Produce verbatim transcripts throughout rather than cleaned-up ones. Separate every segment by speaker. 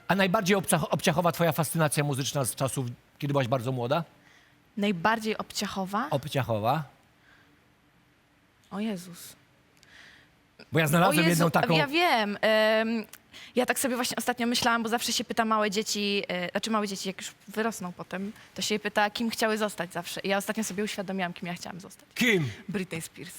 Speaker 1: A najbardziej obca- obciachowa twoja fascynacja muzyczna z czasów, kiedy byłaś bardzo młoda?
Speaker 2: Najbardziej obciachowa?
Speaker 1: Obciachowa?
Speaker 2: O Jezus.
Speaker 1: Bo ja znalazłem
Speaker 2: o Jezu,
Speaker 1: jedną taką...
Speaker 2: ja wiem. Ym, ja tak sobie właśnie ostatnio myślałam, bo zawsze się pyta małe dzieci, y, znaczy małe dzieci, jak już wyrosną potem, to się je pyta, kim chciały zostać zawsze. I ja ostatnio sobie uświadomiłam, kim ja chciałam zostać.
Speaker 1: Kim?
Speaker 2: Britney Spears.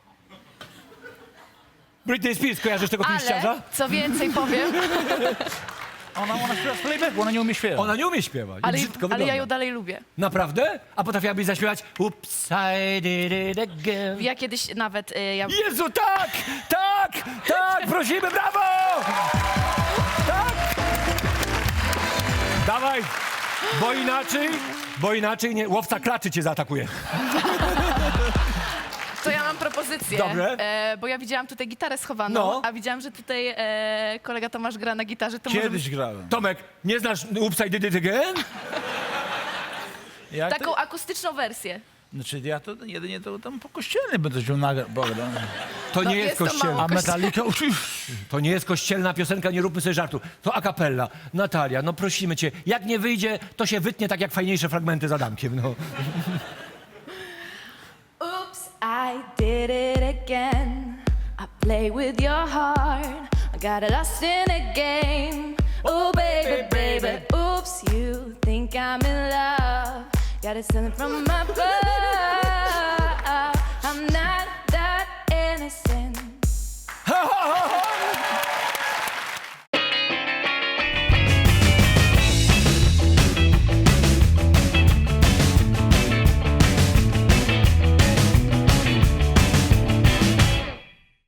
Speaker 1: Britney Spears, kojarzysz tego pięściarza?
Speaker 2: Ale, co więcej powiem,
Speaker 3: Ona, ona śpiewa z playbacku, ona nie umie śpiewać.
Speaker 1: Ona nie umie śpiewać.
Speaker 2: ale,
Speaker 1: Brzydko
Speaker 2: ale
Speaker 1: wygląda.
Speaker 2: ja ją dalej lubię.
Speaker 1: Naprawdę? A potrafiłabyś zaśpiewać Oops, I did it again.
Speaker 2: Ja kiedyś nawet, y, ja,
Speaker 1: Jezu, tak! Tak! Tak! Prosimy, brawo! Tak! Dawaj! Bo inaczej, bo inaczej nie, łowca klaczy cię zaatakuje.
Speaker 2: to ja mam propozycję.
Speaker 1: Dobre.
Speaker 2: E, bo ja widziałam tutaj gitarę schowaną,
Speaker 1: No.
Speaker 2: a widziałam, że tutaj e, kolega Tomasz gra na gitarze. To może
Speaker 3: Kiedyś grałem.
Speaker 1: Tomek, nie znasz Oops, I did it again?
Speaker 3: Jak
Speaker 2: taką akustyczną wersję.
Speaker 3: to? Znaczy ja to jedynie to tam po kościelnej będę się nagrał.
Speaker 1: To nie
Speaker 2: No,
Speaker 1: jest
Speaker 2: jest to
Speaker 1: kościelna.
Speaker 2: mało.
Speaker 3: A Metallica...
Speaker 1: To nie jest kościelna piosenka, nie róbmy sobie żartu. To a cappella. Natalia, no prosimy cię, jak nie wyjdzie, to się wytnie tak jak fajniejsze fragmenty z Adamkiem, no.
Speaker 2: Oops, I did it again. I play with your heart. I got lost in a game. Oh, baby, baby. Oops, you think I'm in love. Got it sent from above. I'm not